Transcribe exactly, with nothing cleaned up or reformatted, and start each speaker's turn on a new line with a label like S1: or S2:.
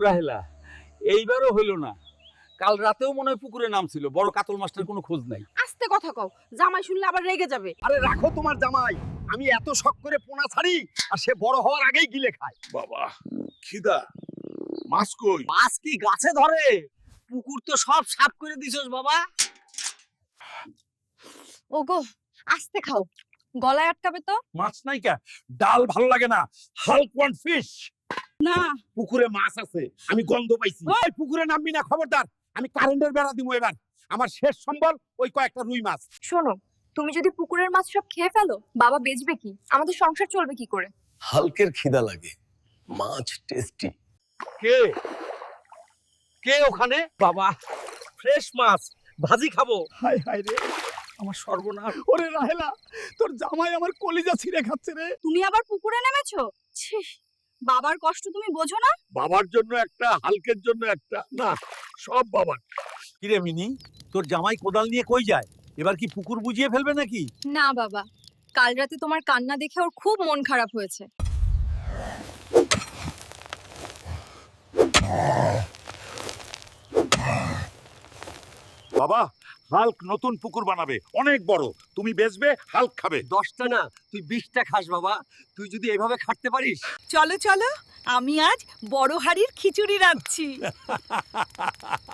S1: রাহেলা, এইবারও হইল না। কাল রাতেও মনে হয় পুকুরে নামছিল, বড় কাতল মাছটার কোনো খোঁজ নাই।
S2: আস্তে কথা কও, জামাই শুনলে আবার রেগে যাবে।
S3: আরে রাখো তোমার জামাই, আমি এত শখ করে পোনা ছাড়ি আর সে বড় হওয়ার আগেই গিলে খায়।
S4: বাবা খিদা, মাছ কই?
S3: মাছ কি গাছে ধরে? পুকুর তো সব সাফ করে দিছস বাবা।
S2: ওগো আস্তে খাও, গলায় আটকাবে তো।
S4: মাছ নাই কে? ডাল ভালো লাগে না, হালক ওয়ান ফিশ।
S2: না
S3: পুকুরে মাছ আছে, আমি গন্ধ পাইছি। ওই পুকুরে নামবি না, খবরদার। আমি কারেন্টের বেড়া দিমু এবার। আমার শেষ সম্বল ওই কয়েকটা রুই মাছ।
S2: শোনো, তুমি যদি পুকুরের মাছ সব খেয়ে ফেলো, বাবা বেচবে কি? আমাদের সংসার চলবে কি করে?
S5: হালকের খিদা লাগে, মাছ টেস্টি।
S3: কে কে ওখানে? বাবা ফ্রেশ মাছ, ভাজি খাবো।
S1: হায় হায় রে, আমার সর্বনাশ।
S3: ওরে রাহেলা, তোর জামাই আমার কলিজা ছিঁড়ে খাচ্ছে রে।
S2: তুমি আবার পুকুরে নেমেছো? ছি, বাবার কষ্ট তুমি বোঝো না?
S4: বাবার জন্য একটা, হালকের জন্য একটা, না সব বাবার।
S1: কিরে মিনি, তোর জামাই কোদাল নিয়ে কই যায়? এবার কি পুকুর বুঝিয়ে ফেলবে নাকি?
S2: না বাবা, কাল রাতে তোমার কান্না দেখে ওর খুব মন খারাপ হয়েছে।
S4: বাবা, হালক নতুন পুকুর বানাবে, অনেক বড়। তুমি বেচবে, হালক খাবে।
S3: দশটা না, তুই বিশটা খাস বাবা। তুই যদি এভাবে খাটতে পারিস।
S6: চলো চলো, আমি আজ বড় হাড়ির খিচুড়ি রাঁধছি।